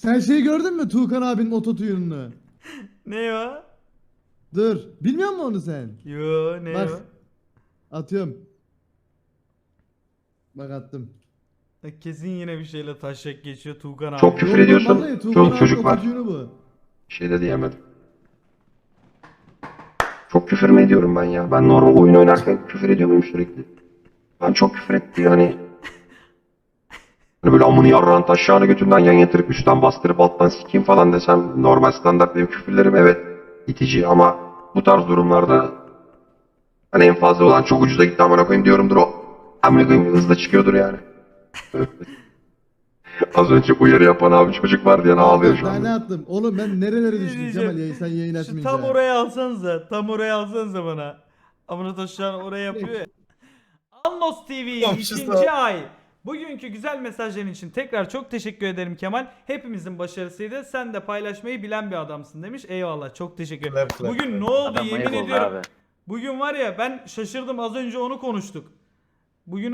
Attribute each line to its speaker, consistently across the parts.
Speaker 1: Sen şeyi gördün mü Tuğkan abinin ototuyununu?
Speaker 2: Ne o?
Speaker 1: Dur. Bilmiyor musun onu sen?
Speaker 2: Yo ne
Speaker 1: Bak.
Speaker 2: o?
Speaker 1: Atıyorum. Bak attım.
Speaker 2: Kesin yine bir şeyle taşak geçiyor Tuğkan
Speaker 3: Çok
Speaker 2: abi.
Speaker 3: küfür
Speaker 1: Yok lan
Speaker 3: ediyorsun.
Speaker 1: vallahi Tuğkan
Speaker 3: Çoluk
Speaker 1: abinin
Speaker 3: çocuk var.
Speaker 1: ototuyunu bu.
Speaker 3: Bir şey de diyemedim. Çok küfür mü ediyorum ben ya? Ben normal oyun oynarken küfür ediyor muyum sürekli? Ben çok küfür etti yani. Hani böyle amını yarrağın taşağını götünden yan yatırıp üstten bastırıp alttan sikeyim falan desem normal standart benim küfürlerim evet itici ama bu tarz durumlarda hani en fazla olan çok ucuza gitti amına koyayım diyorumdur o. Amına koyayım hızla çıkıyordur yani. Az önce uyarı yapan abi çocuk var diye ağlıyor şu
Speaker 1: Daha ne
Speaker 3: anda.
Speaker 1: attım? Oğlum ben nerelere
Speaker 2: Ne
Speaker 1: düştüm
Speaker 2: diyeceğim?
Speaker 1: Kemal sen yayın
Speaker 2: Şu
Speaker 1: açmayınca.
Speaker 2: tam oraya alsanıza. Tam oraya alsanıza bana. Amına taşıyan oraya yapıyor ya. Anlos TV ikinci ay. Bugünkü güzel mesajların için tekrar çok teşekkür ederim Kemal. Hepimizin başarısıydı. Sen de paylaşmayı bilen bir adamsın demiş. Eyvallah çok teşekkür ederim. Bugün ne oldu
Speaker 4: Adam
Speaker 2: yemin
Speaker 4: ayıp oldu
Speaker 2: ediyorum.
Speaker 4: abi.
Speaker 2: Bugün var ya ben şaşırdım az önce onu konuştuk. Bugün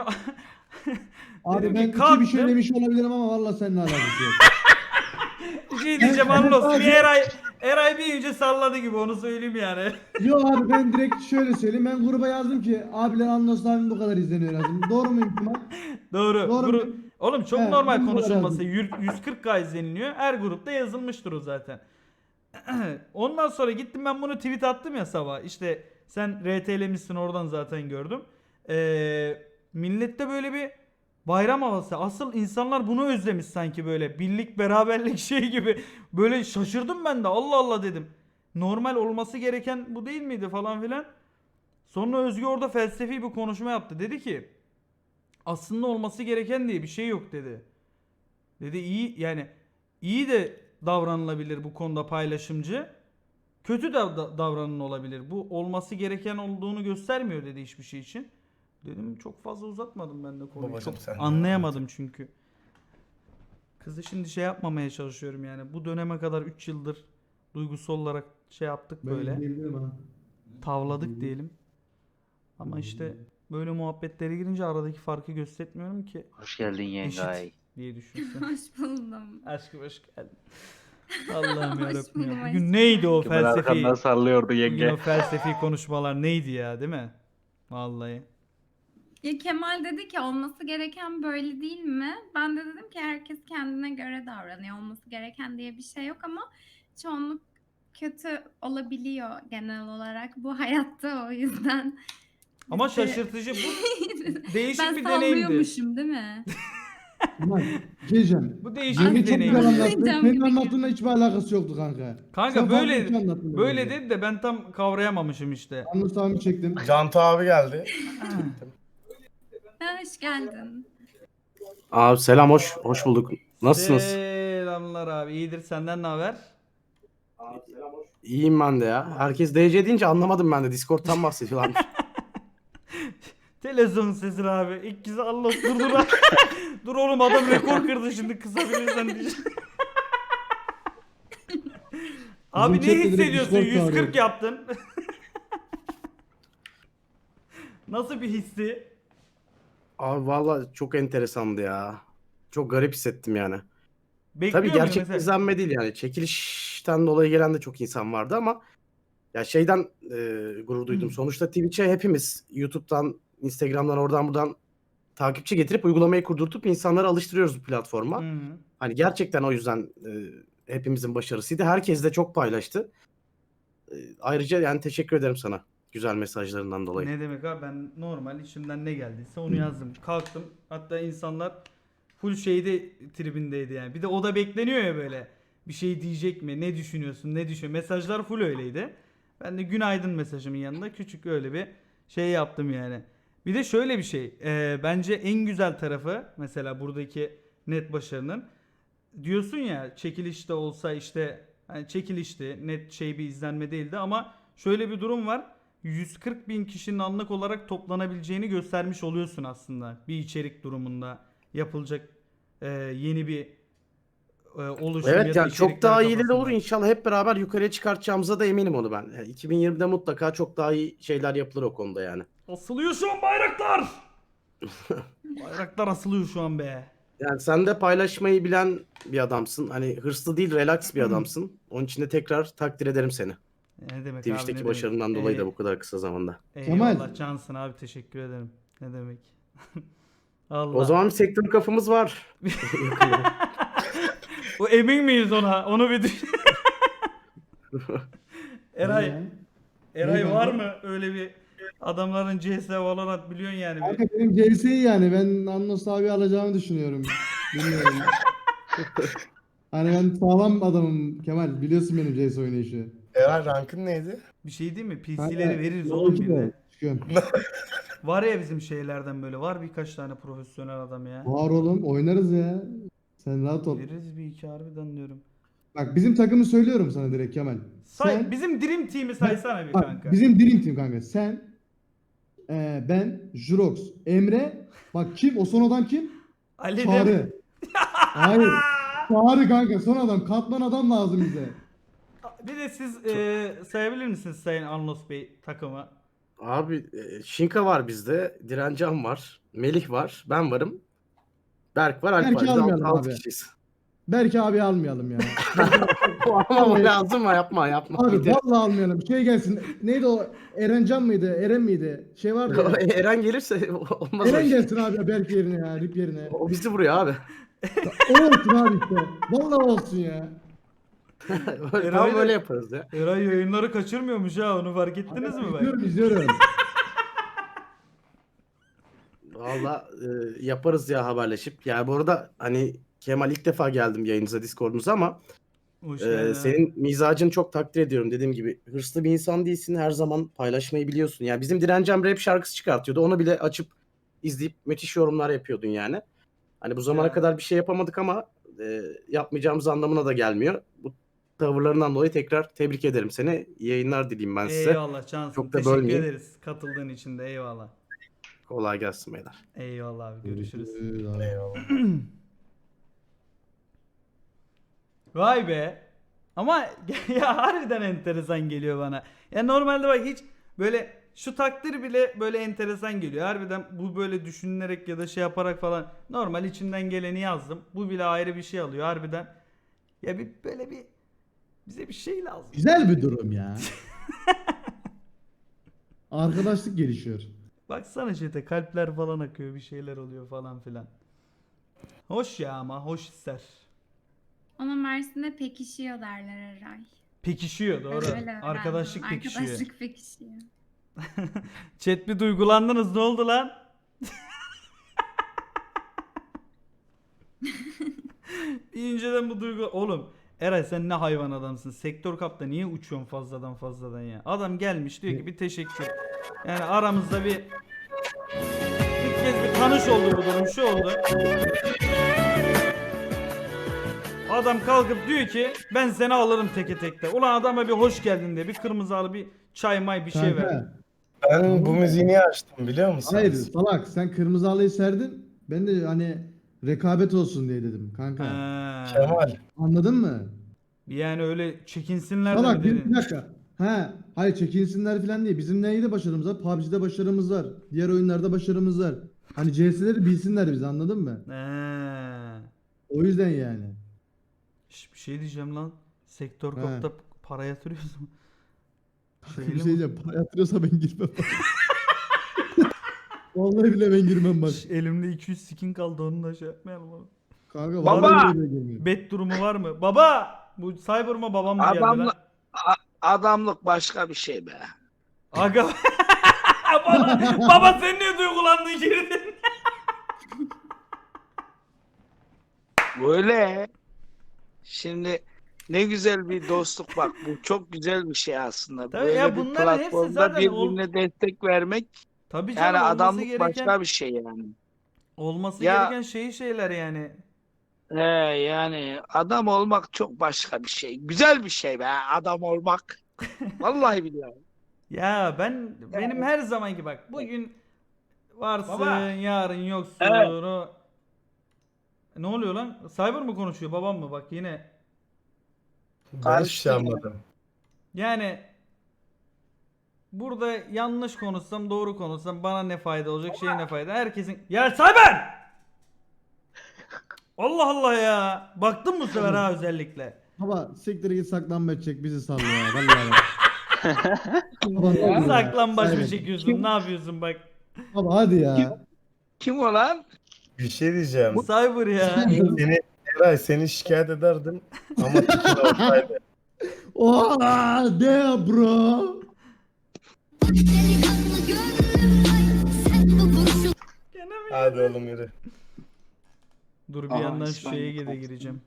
Speaker 1: Abi
Speaker 2: dedim
Speaker 1: ben
Speaker 2: ki
Speaker 1: iki bir şey
Speaker 2: kalktım.
Speaker 1: demiş olabilirim ama valla seninle alakası yok.
Speaker 2: Bir şey diyeceğim Anlos. Bir Eray bir önce salladı gibi onu söyleyeyim yani.
Speaker 1: Yo abi ben direkt şöyle söyleyeyim. Ben gruba yazdım ki abiler Anlos abim bu kadar izleniyor yazdım. Doğru muyum Kemal?
Speaker 2: Doğru.
Speaker 1: Doğru mu?
Speaker 2: Oğlum çok
Speaker 1: He,
Speaker 2: normal
Speaker 1: ben bu kadar
Speaker 2: konuşulması.
Speaker 1: yazdım.
Speaker 2: 140K izleniliyor. Her grupta yazılmıştır o zaten. Ondan sonra gittim ben bunu tweet attım ya sabah. İşte sen RT'lemişsin oradan zaten gördüm. Millette böyle bir bayram havası. Asıl insanlar bunu özlemiş sanki böyle. Birlik beraberlik şey gibi. Böyle şaşırdım ben de. Allah Allah dedim. Normal olması gereken bu değil miydi falan filan. Sonra Özgü orada felsefi bir konuşma yaptı. Dedi ki aslında olması gereken diye bir şey yok dedi. Dedi iyi yani iyi de davranılabilir bu konuda paylaşımcı. Kötü de davranılabilir. Bu olması gereken olduğunu göstermiyor dedi hiçbir şey için. Dedim çok fazla uzatmadım ben de konuyu.
Speaker 5: Babacım
Speaker 2: Çok
Speaker 5: sen de
Speaker 2: anlayamadım çünkü. Kızı şimdi şey yapmamaya çalışıyorum yani. Bu döneme kadar 3 yıldır duygusal olarak şey yaptık böyle.
Speaker 1: izleyebilirim ha.
Speaker 2: Tavladık diyelim. Ama işte böyle muhabbetlere girince aradaki farkı göstermiyorum ki.
Speaker 4: Hoş geldin yengay.
Speaker 2: Eşit diye düşünsün.
Speaker 6: Hoş buldum.
Speaker 2: Aşkım hoş geldin. Allah'ım
Speaker 6: Hoş
Speaker 2: yarabbim
Speaker 6: buldum
Speaker 2: ya.
Speaker 6: aşkım.
Speaker 2: Bugün neydi o
Speaker 4: Kemal
Speaker 2: felsefi?
Speaker 4: arkandan sallıyordu
Speaker 2: Bugün o
Speaker 4: yenge.
Speaker 2: felsefi konuşmalar neydi ya değil mi? Vallahi.
Speaker 6: Ya Kemal dedi ki olması gereken böyle değil mi? Ben de dedim ki herkes kendine göre davranıyor. Olması gereken diye bir şey yok ama çoğunluk kötü olabiliyor genel olarak bu hayatta o yüzden.
Speaker 2: Ama
Speaker 6: biz de-
Speaker 2: şaşırtıcı bu değişik
Speaker 6: ben
Speaker 2: bir deneyimdi.
Speaker 6: sallıyormuşum değil mi?
Speaker 1: Kemal diyeceğim.
Speaker 2: Bu değişik
Speaker 1: Yenge
Speaker 2: bir
Speaker 1: çok güzel
Speaker 2: deneyimdi.
Speaker 1: anlattı.
Speaker 6: Cam
Speaker 1: Senin
Speaker 6: gibi
Speaker 1: anlattığınla hiçbir alakası yoktu kanka.
Speaker 2: Kanka
Speaker 1: Sen farklı bir şey
Speaker 2: böyle
Speaker 1: anlattın
Speaker 2: böyle
Speaker 1: bence.
Speaker 2: dedi de ben tam kavrayamamışım işte.
Speaker 1: Anlos abimi çektim.
Speaker 5: Cantu abi geldi.
Speaker 6: Hoş geldin.
Speaker 7: Abi selam hoş bulduk. Nasılsınız?
Speaker 2: Selamlar abi. İyidir senden ne haber?
Speaker 7: İyiyim ben de ya. Herkes DC deyince anlamadım ben de. Discord'tan bahsediyorlarmış.
Speaker 2: Televizyon sesi abi. İlk kez Allah dur. Dur oğlum adam rekor kırdı şimdi kısabilirsen diyeceğim. Abi
Speaker 1: Bizim
Speaker 2: ne
Speaker 1: chatte direkt
Speaker 2: hissediyorsun?
Speaker 1: Discord
Speaker 2: 140
Speaker 1: çağırıyor.
Speaker 2: yaptın. Nasıl bir hissi?
Speaker 7: Abi valla çok enteresandı ya. Çok garip hissettim yani.
Speaker 2: Bekliyor
Speaker 7: Tabii
Speaker 2: muydun
Speaker 7: gerçek
Speaker 2: mesela?
Speaker 7: izlenme değil yani. Çekilişten dolayı gelen de çok insan vardı ama ya şeyden gurur duydum. Sonuçta Twitch'e hepimiz YouTube'dan, Instagram'dan oradan buradan takipçi getirip uygulamayı kurdurtup insanları alıştırıyoruz bu platforma.
Speaker 2: Hı hı.
Speaker 7: Hani gerçekten o yüzden hepimizin başarısıydı. Herkes de çok paylaştı. Ayrıca yani teşekkür ederim sana güzel mesajlarından dolayı.
Speaker 2: Ne demek abi ben normal içimden ne geldiyse onu yazdım. Kalktım hatta insanlar full şeyde tribindeydi yani. Bir de o da bekleniyor ya böyle. Bir şey diyecek mi? Ne düşünüyorsun? Ne düşün? Mesajlar full öyleydi. Ben de günaydın mesajımın yanında küçük öyle bir şey yaptım yani. Bir de şöyle bir şey. Bence en güzel tarafı mesela buradaki net başarının diyorsun ya çekilişte olsa işte hani çekilişti net şey bir izlenme değildi ama şöyle bir durum var. 140 bin kişinin anlık olarak toplanabileceğini göstermiş oluyorsun aslında bir içerik durumunda yapılacak yeni bir oluşum ya
Speaker 7: Evet
Speaker 2: da
Speaker 7: yani çok
Speaker 2: içerikler
Speaker 7: daha iyileri olur
Speaker 2: kafasında.
Speaker 7: inşallah hep beraber yukarıya çıkartacağımıza da eminim onu ben. Yani 2020'de mutlaka çok daha iyi şeyler yapılır o konuda yani.
Speaker 2: Asılıyor şu an bayraklar. Bayraklar asılıyor şu an be.
Speaker 7: Yani sen de paylaşmayı bilen bir adamsın. Hani hırslı değil, relax bir adamsın. Onun için de tekrar takdir ederim seni.
Speaker 2: Ne demek abi,
Speaker 7: Twitch'teki
Speaker 2: ne demek.
Speaker 7: başarından dolayı da bu kadar kısa zamanda.
Speaker 1: Kemal.
Speaker 2: Eyvallah cansın abi, teşekkür ederim. Ne demek. Allah.
Speaker 7: O zaman bir sektör kafamız var.
Speaker 2: O emin miyiz ona? Onu bir düşün. Eray,
Speaker 1: Ya.
Speaker 2: Eray
Speaker 1: Ne
Speaker 2: var
Speaker 1: kanka?
Speaker 2: mı öyle bir adamların CS Valorant biliyorsun yani.
Speaker 1: Kanka benim CS'yi yani ben Annos abi alacağımı düşünüyorum. Bilmiyorum. Hani ben sağlam adamım Kemal. Biliyorsun benim CS oynayışı.
Speaker 4: Eray rankın neydi?
Speaker 2: Bir şey değil mi?
Speaker 1: Kanka,
Speaker 2: PC'leri veririz
Speaker 1: yok
Speaker 2: oğlum
Speaker 1: ki
Speaker 2: bir
Speaker 1: de.
Speaker 2: de.
Speaker 1: Çıkıyorum.
Speaker 2: Var ya bizim şeylerden böyle. Var birkaç tane profesyonel adam ya.
Speaker 1: Var oğlum oynarız ya. Sen rahat ol.
Speaker 2: Veririz bir iki harbiden diyorum.
Speaker 1: Bak bizim takımı söylüyorum sana direkt Kemal.
Speaker 2: Say, bizim Dream Team'i saysana bir
Speaker 1: Bak,
Speaker 2: kanka.
Speaker 1: bizim Dream Team kanka. Sen, ben, Jurox, Emre. Bak kim? O son adam kim?
Speaker 2: Ali de...
Speaker 1: Çağrı. Hayır. Çağrı kanka son adam. Katman adam lazım bize.
Speaker 2: Bir de siz sayabilir misiniz Sayın Anlos Bey takımı?
Speaker 7: Abi Şinka var bizde. Direncan var. Melih var. Ben varım. Berk var. Alp var.
Speaker 1: Berk'i
Speaker 7: Biz
Speaker 1: almayalım
Speaker 7: 6
Speaker 1: abi.
Speaker 7: kişiyiz.
Speaker 1: Belki abi almayalım ya.
Speaker 7: Ama o lazım mı? Yapma.
Speaker 1: Abi
Speaker 7: Gidelim.
Speaker 1: vallahi almayalım. Şey gelsin. Neydi o? Erencan mıydı? Eren miydi? Şey vardı ya.
Speaker 7: Eren gelirse olmaz o
Speaker 1: Eren
Speaker 7: iş.
Speaker 1: gelsin abi Berk yerine ya. Rip yerine.
Speaker 7: O bizi vuruyor abi.
Speaker 1: O olsun abi işte. Vallahi olsun ya.
Speaker 7: Tam böyle yaparız ya.
Speaker 2: Eray yayınları kaçırmıyormuş ha, onu fark ettiniz mi bak?
Speaker 1: İzliyorum.
Speaker 7: Valla yaparız ya haberleşip. Yani bu arada hani Kemal ilk defa geldim yayınıza, Discord'unuza ama
Speaker 2: Hoş geldin.
Speaker 7: senin mizacını çok takdir ediyorum. Dediğim gibi hırslı bir insan değilsin. Her zaman paylaşmayı biliyorsun. Yani bizim Direncem rap şarkısı çıkartıyordu. Onu bile açıp izleyip müthiş yorumlar yapıyordun yani. Hani bu zamana
Speaker 2: Ya.
Speaker 7: kadar bir şey yapamadık ama yapmayacağımız anlamına da gelmiyor. Bu tavırlarından dolayı tekrar tebrik ederim seni. İyi yayınlar dileyim ben size.
Speaker 2: Eyvallah cansın.
Speaker 7: Çok da
Speaker 2: Teşekkür
Speaker 7: bölmeyeyim.
Speaker 2: ederiz katıldığın için de, eyvallah.
Speaker 7: Kolay gelsin beyler.
Speaker 2: Eyvallah abi, görüşürüz.
Speaker 4: Eyvallah.
Speaker 2: Vay be. Ama ya harbiden enteresan geliyor bana. Ya normalde bak hiç böyle şu takdir bile böyle enteresan geliyor. Harbiden bu böyle düşünülerek ya da şey yaparak falan normal içimden geleni yazdım. Bu bile ayrı bir şey alıyor harbiden. Ya bir böyle bir bize bir şey lazım.
Speaker 1: Güzel bir durum ya. Arkadaşlık gelişiyor.
Speaker 2: Baksana chat'e kalpler falan akıyor, bir şeyler oluyor falan filan. Hoş ya, ama hoş ister.
Speaker 6: Ona Mersin'de pekişiyor derler Eray.
Speaker 2: Pekişiyor, doğru.
Speaker 6: Öyle öğrendim.
Speaker 2: Arkadaşlık pekişiyor.
Speaker 6: Arkadaşlık pekişiyor.
Speaker 2: Chat bir duygulandınız, ne oldu lan? Bir inceden bu duygu... Oğlum Eray sen ne hayvan adamsın. Sektör kapta niye uçuyorsun fazladan ya? Adam gelmiş diyor ki bir teşekkür. Yani aramızda bir kez bir tanış oldu bu durum, şu oldu. Adam kalkıp diyor ki ben seni alırım teke tekte. Ulan adama bir hoş geldin diye bir kırmızı al, bir çay may bir şey ver.
Speaker 1: Kanka.
Speaker 4: Ben bu müziği niye açtım biliyor musunuz?
Speaker 1: Hayır salak sen kırmızı halıyı serdin. Ben de hani rekabet olsun diye dedim kanka.
Speaker 2: Ha.
Speaker 4: Kemal.
Speaker 1: Anladın mı?
Speaker 2: Yani öyle çekinsinler de mi
Speaker 1: Salak bir
Speaker 2: dedin?
Speaker 1: dakika. He, hayır çekinsinler falan değil. Bizim neydi başarımız var? PUBG'de başarımız var. Diğer oyunlarda başarımız var. Hani CS'leri bilsinler bizi, anladın mı?
Speaker 2: Ha.
Speaker 1: O yüzden yani.
Speaker 2: Bir şey diyeceğim lan. Sektör
Speaker 1: He.
Speaker 2: kapta para yatırıyorsun. Şeyli
Speaker 1: Bir şey
Speaker 2: mi?
Speaker 1: diyeceğim. Para yatırıyorsa ben girmem bak. Vallahi bile ben girmem bak.
Speaker 2: Elimde 200 skin kaldı, onu da şey yapmayalım oğlum.
Speaker 1: Kanka
Speaker 5: Baba!
Speaker 1: vallahi bile girmiyorum.
Speaker 2: Bet durumu var mı? Baba! Bu Cyber mı babam mı geldi lan?
Speaker 5: Adamlık, adamlık başka bir şey be.
Speaker 2: Aga. Baba sen niye duygulandın, girdin?
Speaker 5: Böyle. Şimdi ne güzel bir dostluk bak. Bu çok güzel bir şey aslında.
Speaker 2: Tabii
Speaker 5: Böyle
Speaker 2: ya,
Speaker 5: bir
Speaker 2: bunların hepsi
Speaker 5: platformda
Speaker 2: zaten
Speaker 5: birbirine destek vermek
Speaker 2: Tabii canım,
Speaker 5: yani
Speaker 2: olması
Speaker 5: adamlık
Speaker 2: gereken
Speaker 5: başka bir şey yani.
Speaker 2: olması
Speaker 5: Ya-
Speaker 2: gereken şeyler yani.
Speaker 5: Yani adam olmak çok başka bir şey. Güzel bir şey be adam olmak. Vallahi biliyorum.
Speaker 2: Ya benim her zamanki bak, bugün varsın,
Speaker 5: Baba.
Speaker 2: yarın yoksun.
Speaker 5: Evet.
Speaker 2: Ne oluyor lan? Cyber mı konuşuyor, babam mı? Bak yine.
Speaker 4: Ben hiçbir şey anlamadım.
Speaker 2: Yani burada yanlış konuşsam, doğru konuşsam bana ne fayda olacak, şey ne fayda? Herkesin... Ya Cyber! Allah Allah ya. Baktın mı bu sefer ha özellikle?
Speaker 1: Baba siktir git saklanmaç çek bizi salla ya. Vallahi. Baba, ne oluyor ya?
Speaker 2: Saklambaç mı
Speaker 1: Evet.
Speaker 2: çekiyorsun? Ne yapıyorsun bak?
Speaker 1: Baba hadi ya.
Speaker 5: Kim o lan?
Speaker 4: Bir şey diyeceğim.
Speaker 2: Cyber ya.
Speaker 4: Seni şikayet ederdim ama tikin olsaydı.
Speaker 1: Oha damn bro.
Speaker 2: Gene mi?
Speaker 4: Hadi oğlum yürü.
Speaker 2: Dur bir
Speaker 5: Aha,
Speaker 2: yandan şu
Speaker 5: İsmail
Speaker 2: şeye de
Speaker 5: kalktı.
Speaker 2: gireceğim.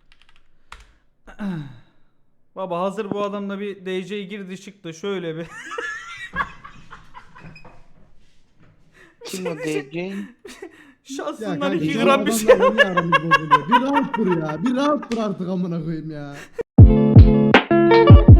Speaker 2: Baba hazır bu adamla bir DC girdi çıktı şöyle bir.
Speaker 5: Kim o DJ?
Speaker 1: Ya
Speaker 2: Şahsından
Speaker 1: kanka
Speaker 2: 2
Speaker 1: şu
Speaker 2: gram bir şey.
Speaker 1: adamla niye aramız bozuluyor? Bir rahat dur ya. Bir rahat dur artık amına koyayım ya.